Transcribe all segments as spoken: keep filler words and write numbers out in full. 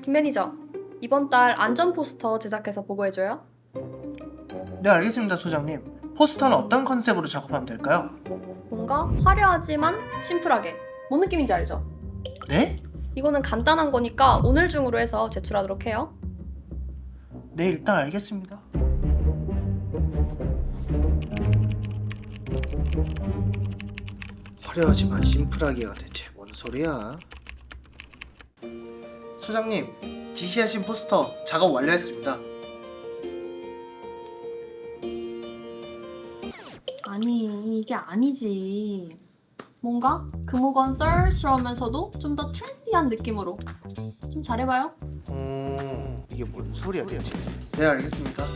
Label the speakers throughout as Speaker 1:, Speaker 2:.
Speaker 1: 김 매니저, 이번 달 안전 포스터 제작해서 보고해줘요.
Speaker 2: 네, 알겠습니다, 소장님. 포스터는 어떤 컨셉으로 작업하면 될까요?
Speaker 1: 뭔가 화려하지만 심플하게. 뭔 느낌인지 알죠?
Speaker 2: 네?
Speaker 1: 이거는 간단한 거니까 오늘 중으로 해서 제출하도록 해요.
Speaker 2: 네, 일단 알겠습니다. 화려하지만 심플하게가 대체 뭔 소리야? 소장님, 지시하신 포스터 작업 완료했습니다.
Speaker 1: 아니, 이게 아니지. 뭔가 금호건 썰스러우면서도 좀 더 트렌디한 느낌으로. 좀 잘해봐요.
Speaker 2: 음, 이게 뭔 소리야 대체? 네, 알겠습니다.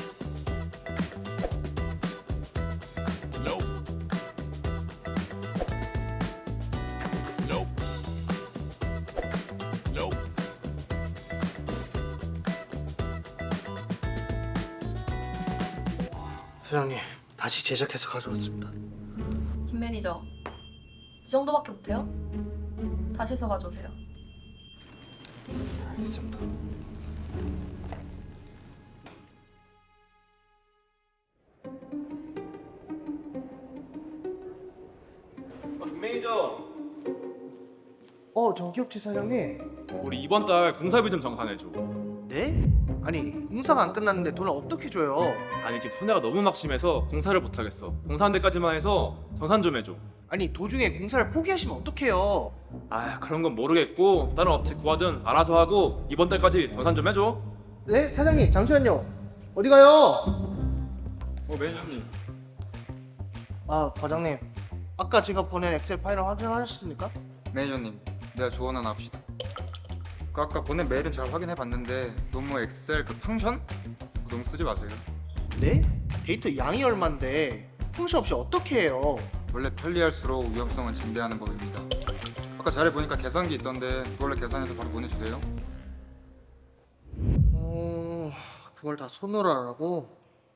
Speaker 2: 소장님, 다시 제작해서 가져왔습니다.
Speaker 1: 김 매니저, 이 정도밖에 못해요? 다시 해서 가져오세요.
Speaker 2: 알겠습니다.
Speaker 3: 아, 김 매니저,
Speaker 2: 어, 정기업체 사장님.
Speaker 3: 우리 이번 달 공사비 좀 정산해줘.
Speaker 2: 네? 아니, 공사가 안 끝났는데 돈을 어떻게 줘요?
Speaker 3: 아니 지금 손해가 너무 막심해서 공사를 못 하겠어. 공사한 데까지만 해서 정산 좀 해줘.
Speaker 2: 아니, 도중에 공사를 포기하시면 어떡해요?
Speaker 3: 아 그런 건 모르겠고 다른 업체 구하든 알아서 하고 이번 달까지 정산 좀 해줘.
Speaker 2: 네, 사장님, 잠시만요. 어디 가요?
Speaker 3: 어 매니저님.
Speaker 2: 아, 과장님. 아까 제가 보낸 엑셀 파일을 확인하셨습니까?
Speaker 4: 매니저님, 내가 조언 하나 합시다. 그 아까 보낸 메일은 잘 확인해봤는데 너무 엑셀 그 펑션? 그거 너무 쓰지 마세요.
Speaker 2: 네? 데이터 양이 얼만데 펑션 없이 어떻게 해요?
Speaker 4: 원래 편리할수록 위험성은 증대하는 법입니다. 아까 자료 보니까 계산기 있던데 그걸로 계산해서 바로 보내주세요.
Speaker 2: 어... 그걸 다 손으로 하라고?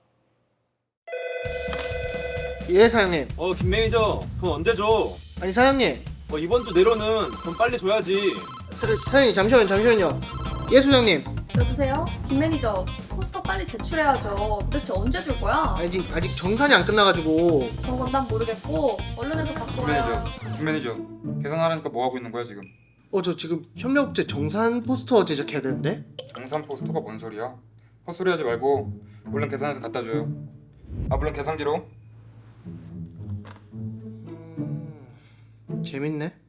Speaker 2: 예, 사장님.
Speaker 3: 어 김 매니저 돈 언제 줘?
Speaker 2: 아니, 사장님.
Speaker 3: 어 이번 주 내로는 돈 빨리 줘야지.
Speaker 2: 사, 사장님, 잠시만요, 잠시만요. 예, 소장님.
Speaker 1: 여보세요? 김 매니저, 포스터 빨리 제출해야죠. 도대체 언제 줄 거야?
Speaker 2: 아직, 아직 정산이 안 끝나가지고.
Speaker 1: 그런 건 난 모르겠고 얼른 해서 갖고 와요.
Speaker 4: 김매니저, 김매니저, 계산하라니까 뭐 하고 있는 거야 지금?
Speaker 2: 어, 저 지금 협력업체 정산 포스터 제작해야 되는데?
Speaker 4: 정산 포스터가 뭔 소리야? 헛소리 하지 말고 얼른 계산해서 갖다 줘요. 아 물론 계산기로.
Speaker 2: 음... 재밌네.